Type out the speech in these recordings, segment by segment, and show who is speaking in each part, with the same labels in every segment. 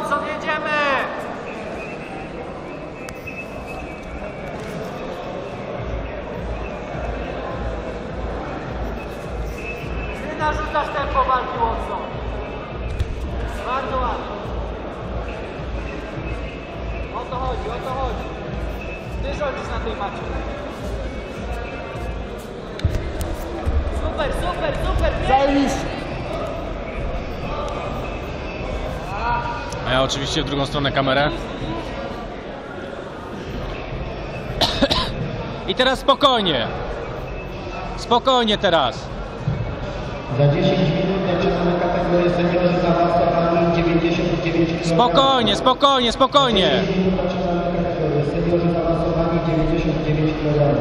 Speaker 1: Watson, jedziemy! Ty narzucasz tempo walki, Watson. Bardzo ładnie. O to chodzi, o to chodzi. Ty rządzisz na tej macie. Super, super, super!
Speaker 2: Zajebiście!
Speaker 3: A ja oczywiście w drugą stronę kamerę. I teraz spokojnie. Spokojnie teraz.
Speaker 4: Za 10 minut zaczynamy kategorię seniorzy zaawansowani 99 kg.
Speaker 3: Spokojnie, spokojnie, spokojnie.
Speaker 4: Za 10 minut zaczynamy kategorię seniorzy zaawansowani 99 kg.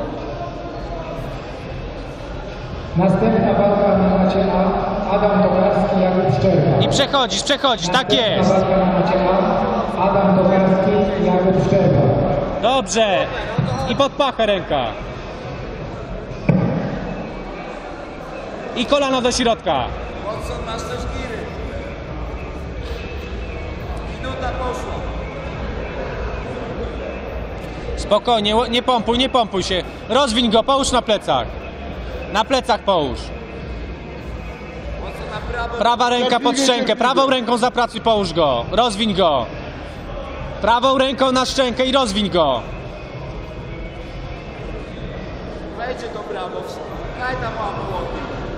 Speaker 4: Następna walka na macie A. Adam Tokarski, Jakub Szczerba.
Speaker 3: I przechodzisz, tak jest.
Speaker 4: Następna walka na macie A. Adam Tokarski, Jakub Szczerba.
Speaker 3: Dobrze. I pod pachę ręka. I kolano do środka.
Speaker 1: Watson, masz też giry. Minuta poszła.
Speaker 3: Spokojnie, nie pompuj się. Rozwiń go, połóż na plecach. Na plecach połóż.
Speaker 1: Watson na prawo.
Speaker 3: Prawa ręka pod szczękę, prawą ręką zapracuj, połóż go. Rozwiń go. Prawą ręką na szczękę i rozwiń go.
Speaker 1: Wejdzie to prawo. Daj tam łapę.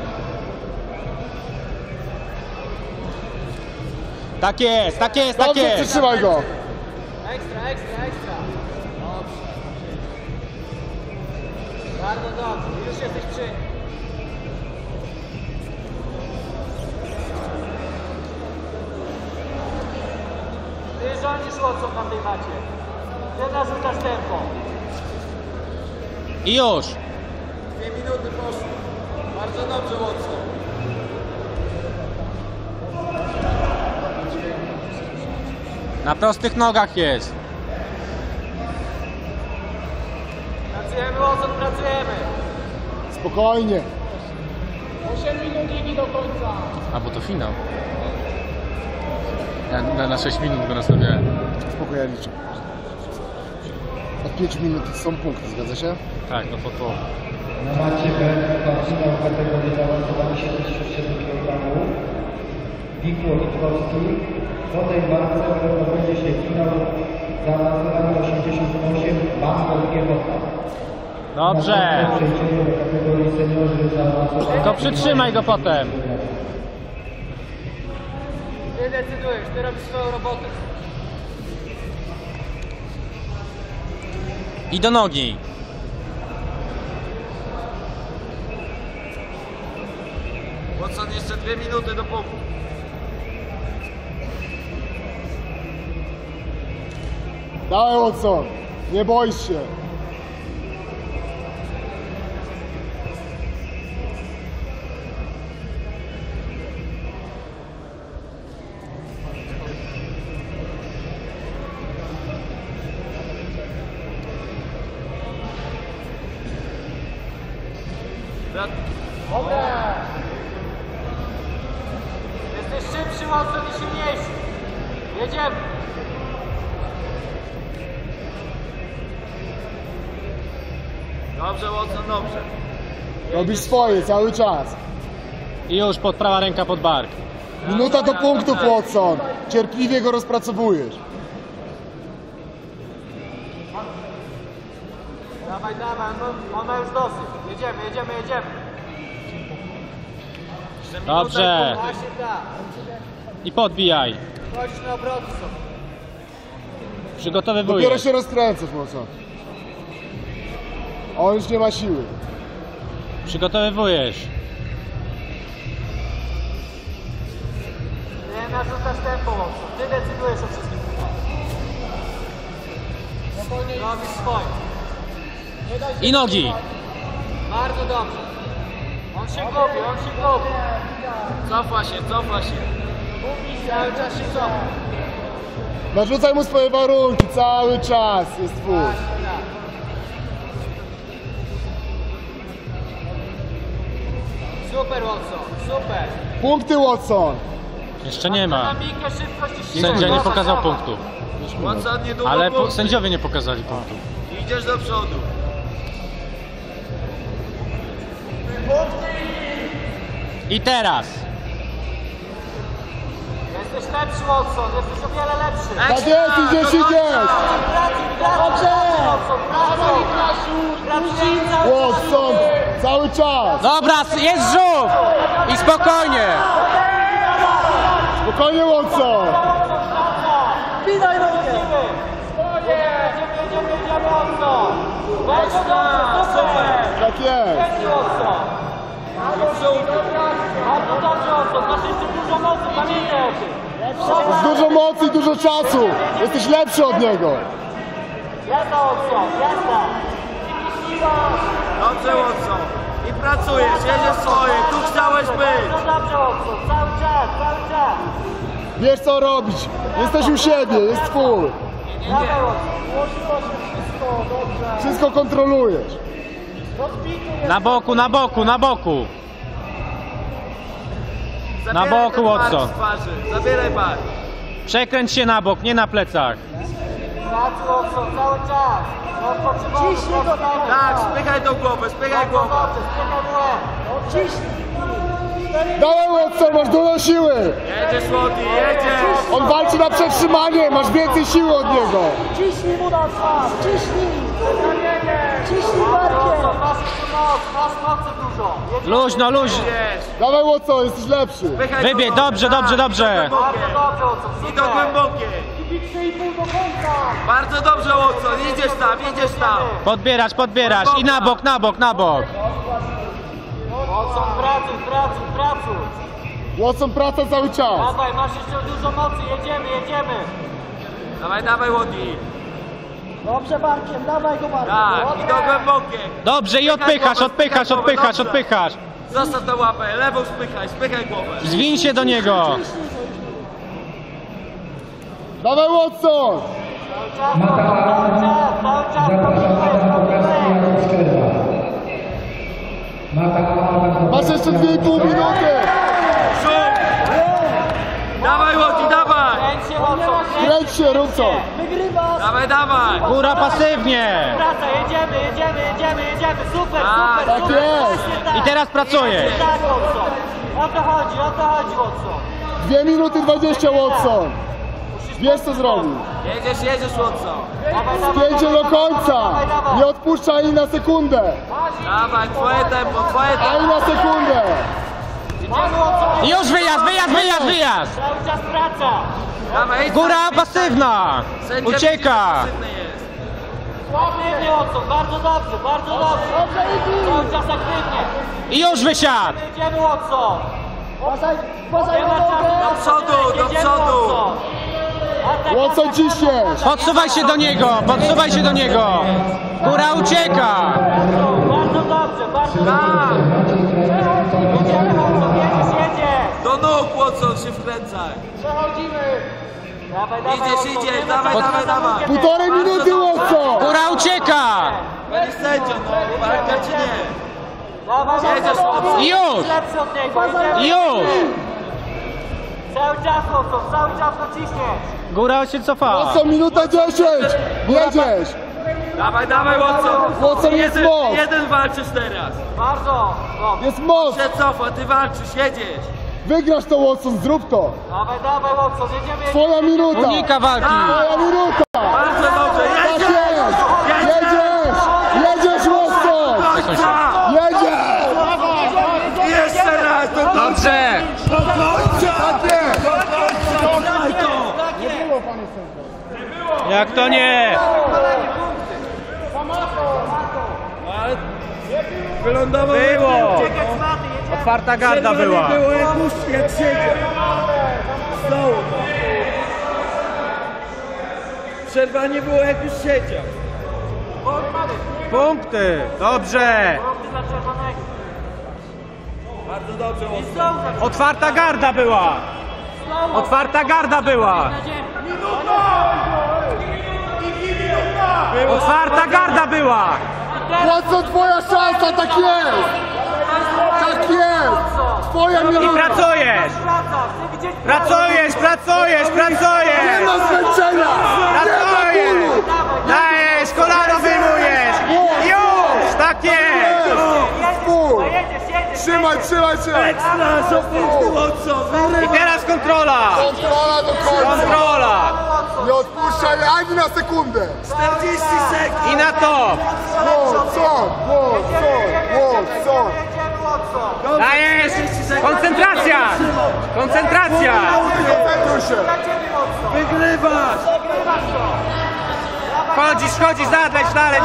Speaker 3: Tak jest, tak jest, tak
Speaker 2: Dobrze,
Speaker 3: jest.
Speaker 2: przytrzymaj go!
Speaker 1: Ekstra, ekstra, ekstra. Dobrze. Bardzo dobrze. Już jesteś przy nim. Ty rządzisz, Watson, na tej macie. Ty narzucasz tempo.
Speaker 3: I już.
Speaker 1: 2 minuty poszły. Bardzo dobrze, Watson.
Speaker 3: Na prostych nogach jest.
Speaker 1: Pracujemy, Watson, pracujemy.
Speaker 2: Spokojnie!
Speaker 1: 8 minut ligi do końca.
Speaker 3: A bo to finał. Ja na 6 minut go nastawiałem.
Speaker 2: Spokojnie, ja liczę. Od 5 minut są punkty, zgadza się?
Speaker 3: Tak, no to.
Speaker 4: Na macie B. Finał kategorii zaawansowani 77 kg. Wikło Litkowski. Po tej walce odbędzie się finał zaawansowany 88 Bangor Giewota.
Speaker 3: Dobrze.
Speaker 4: Przejdziemy do kategorii seniorzy zaawansowani.
Speaker 3: To przytrzymaj go potem.
Speaker 1: Ty decydujesz, ty robisz swoją robotę.
Speaker 3: I do nogi.
Speaker 1: Watson, jeszcze 2 minuty do punktu.
Speaker 2: Dawaj, Watson! Nie boisz się!
Speaker 1: Dobra! Jesteś szybszy, Watson, i silniejszy. Jedziemy. Dobrze, Watson, dobrze.
Speaker 2: Robisz swoje cały czas.
Speaker 3: I już prawa ręka pod bark.
Speaker 2: Minuta do punktów, Watson. Cierpliwie go rozpracowujesz.
Speaker 1: Dawaj, dawaj, on ma już dosyć. Jedziemy, jedziemy, jedziemy. Jeszcze minuta
Speaker 3: Dobrze.
Speaker 1: i pół. Właśnie tak.
Speaker 3: I podbijaj.
Speaker 1: Chodzisz na obroty sobie.
Speaker 2: Dopiero
Speaker 3: Przygotowywujesz.
Speaker 2: się rozkręcasz, Watson. On już nie ma siły.
Speaker 3: Przygotowywujesz.
Speaker 1: Nie narzucasz tempo, Watson. Ty decydujesz o wszystkim. Robisz swoje.
Speaker 3: I nogi.
Speaker 1: Bardzo dobrze. On się gubi, on się gubi. Cofa się, cofa się. Cały czas się cofa.
Speaker 2: Narzucaj mu swoje warunki, cały czas jest twój.
Speaker 1: Właśnie tak. Super, Watson, super.
Speaker 2: Punkty, Watson.
Speaker 3: Jeszcze nie ma.
Speaker 1: Dynamikę, szybkość i siłę.
Speaker 3: Sędzia nie
Speaker 1: Zafa,
Speaker 3: pokazał
Speaker 1: zafa.
Speaker 3: punktów.
Speaker 1: Watson, niedługo
Speaker 3: Ale
Speaker 1: punkty.
Speaker 3: sędziowie nie pokazali punktów.
Speaker 1: Idziesz do przodu.
Speaker 3: I teraz.
Speaker 1: Jesteś lepszy, Watson, jesteś o wiele lepszy.
Speaker 2: Tak jest, idziesz!
Speaker 1: Dobrze!
Speaker 2: Watson, cały czas!
Speaker 3: Dobra, jest żółw! I spokojnie!
Speaker 2: Spokojnie, Watson!
Speaker 1: Widaj nogę! Jedziemy, Watson! Bardzo dobrze, super!
Speaker 2: Tak jest!
Speaker 1: Świetnie, Watson! Bardzo dobrze, Watson, masz jeszcze dużo mocy, pamiętaj o tym!
Speaker 2: Jest dużo mocy i dużo czasu! Jesteś lepszy od niego!
Speaker 1: Jazda, Watson, jazda! Dobrze, Watson! I pracujesz, jedziesz swoje, tu chciałeś być! Bardzo dobrze, Watson, cały czas, cały czas!
Speaker 2: Wiesz co robić! Jesteś u siebie, jest twój!
Speaker 1: Dawaj, Watson!
Speaker 2: Wszystko kontrolujesz!
Speaker 3: Na boku, na boku, na boku! Na boku, Watson.
Speaker 1: Zabieraj bar.
Speaker 3: Przekręć się na bok, nie na plecach.
Speaker 1: Pracuj, Watson, cały czas. Ciśnij go tam. Tak, spychaj tą głowę, spychaj głowę. Spychaj w łeb. Ciśnij.
Speaker 2: Dawaj, Watson, masz dużo siły!
Speaker 1: Jedziesz, Łody, jedziesz.
Speaker 2: On walczy na przetrzymanie, masz więcej siły od niego!
Speaker 5: Ciśnij mu na twarz, ciśnij! Ciśnij barkiem!
Speaker 1: Masz mocy dużo.
Speaker 3: Luźno, luźno.
Speaker 2: Dawaj, Watson, jesteś lepszy!
Speaker 3: Wybie, dobrze, dobrze, dobrze.
Speaker 1: Bardzo dobrze, Watson. I do głębokiej.
Speaker 5: Kibice i pół do końca!
Speaker 1: Bardzo dobrze, Watson. Jedziesz tam, jedziesz tam.
Speaker 3: Podbierasz, podbierasz. I na bok, na bok, na bok.
Speaker 1: Watson, pracuj.
Speaker 2: Watson, praca cały czas!
Speaker 1: Dawaj, masz jeszcze dużo mocy. Jedziemy. Dawaj, Łody.
Speaker 5: Dobrze barkiem, dawaj go barkiem!
Speaker 1: Tak, i do głębokiej.
Speaker 3: Dobrze, i odpychasz, odpychasz, odpychasz, odpychasz.
Speaker 1: Zostaw tę łapę, lewą spychaj głowę.
Speaker 3: Zwiń się do niego.
Speaker 2: Dawaj, Watson! Masz jeszcze 2,5 minuty!
Speaker 1: Dawaj, Łody, dawaj!
Speaker 2: Kręć się, rób co!
Speaker 5: Wygrywa!
Speaker 1: Dawaj!
Speaker 3: Góra pasywnie.
Speaker 1: Praca, jedziemy, super!
Speaker 2: Tak jest!
Speaker 3: I teraz pracujesz.
Speaker 1: Tak, Watson! O to chodzi, Watson!
Speaker 2: 2 minuty 20, Watson! Wiesz co zrobić!
Speaker 1: Jedziesz, Watson!
Speaker 2: Spięcie do końca! Nie odpuszczaj ani na sekundę!
Speaker 1: Dawaj, twoje tempo!
Speaker 2: Ani na sekundę!
Speaker 3: Już wyjazd!
Speaker 1: Cały czas praca! Dawaj,
Speaker 3: Góra pasywna. Ucieka.
Speaker 1: Aktywnie, Watson, bardzo dobrze! Cały czas aktywnie!
Speaker 3: I już wysiadł.
Speaker 1: Jedziemy, Watson!
Speaker 5: Uważaj
Speaker 1: Nie
Speaker 5: na
Speaker 1: ma czasu
Speaker 5: nogę!
Speaker 1: do przodu, Atak,
Speaker 2: Watson, ciśniesz!
Speaker 3: Podsuwaj się do niego. Góra ucieka.
Speaker 1: Bardzo dobrze! Jedziemy, Watson, jedziesz! Do nóg, Watson, się wkręcaj! Przechodzimy! Dawaj, idziesz, dawaj!
Speaker 2: 1,5 minuty, Watson!
Speaker 3: Góra ucieka.
Speaker 1: Będziesz sędzią, walka czy nie? Jedziesz, Watson!
Speaker 3: Już.
Speaker 1: Lepszy od niego,
Speaker 3: Już.
Speaker 1: Cały czas, Watson, cały czas naciśniesz!
Speaker 3: Góra się cofa.
Speaker 2: Watson, minuta 10! Jedziesz!
Speaker 1: Dawaj, Watson!
Speaker 2: Watson, jest moc!
Speaker 1: Jeden walczysz teraz! Bardzo!
Speaker 2: Jest moc!
Speaker 1: Się cofa, ty walczysz, jedziesz!
Speaker 2: Wygrasz to, Watson, zrób to!
Speaker 1: Dawaj, Watson, jedziemy!
Speaker 2: Twoja minuta!
Speaker 3: Unika walki.
Speaker 2: Twoja minuta!
Speaker 1: Bardzo dobrze,
Speaker 2: Tak
Speaker 1: jedziesz!
Speaker 2: jest! Jedziesz, Watson! Jedziesz!
Speaker 1: Jeszcze raz!
Speaker 3: Dobrze.
Speaker 2: Tak jest!
Speaker 3: Jak to nie?
Speaker 1: Wylądował!
Speaker 3: Było. Otwarta garda była.
Speaker 1: Jak siedział! Znowu! Przerwa nie było, jak już siedział!
Speaker 3: Punkty. Dobrze.
Speaker 1: Bardzo dobrze, Watson!
Speaker 3: Otwarta garda była. Otwarta garda była. Otwarta garda była.
Speaker 2: Watson, twoja szansa, tak jest! Tak jest! Twoja
Speaker 3: I
Speaker 2: minuta!
Speaker 3: pracujesz! Pracujesz!
Speaker 2: Nie ma zmęczenia! Nie ma bólu!
Speaker 3: Dajesz, kolano wyjmujesz! Już! Tak jest!
Speaker 2: Spór! Trzymaj się!
Speaker 3: I teraz kontrola!
Speaker 2: Kontrola do końca!
Speaker 3: Kontrola!
Speaker 2: Nie odpuszczaj ani na sekundę!
Speaker 1: 40 sekund!
Speaker 3: I na to!
Speaker 2: Watson!
Speaker 3: Dajesz! Koncentracja! Koncentracja!
Speaker 2: Koncentruj się!
Speaker 1: Wygrywasz!
Speaker 3: Chodzisz, zadleć dalej!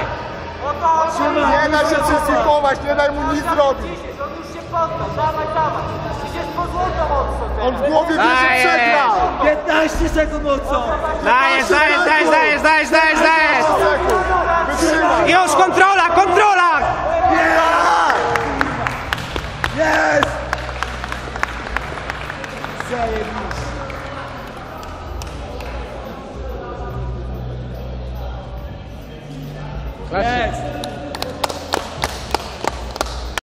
Speaker 2: Nie daj się przysypować, nie daj mu nic zrobić!
Speaker 1: On już się poddał, dawaj! Idziesz po złoto mocno!
Speaker 2: On w głowie wie, że
Speaker 3: Dajesz.
Speaker 2: przegrał!
Speaker 1: 15 sekund mocno!
Speaker 3: Dajesz!
Speaker 2: sekund! Wytrzymaj!
Speaker 3: Już kontrola!
Speaker 1: Jest! Zajebiście! Jest!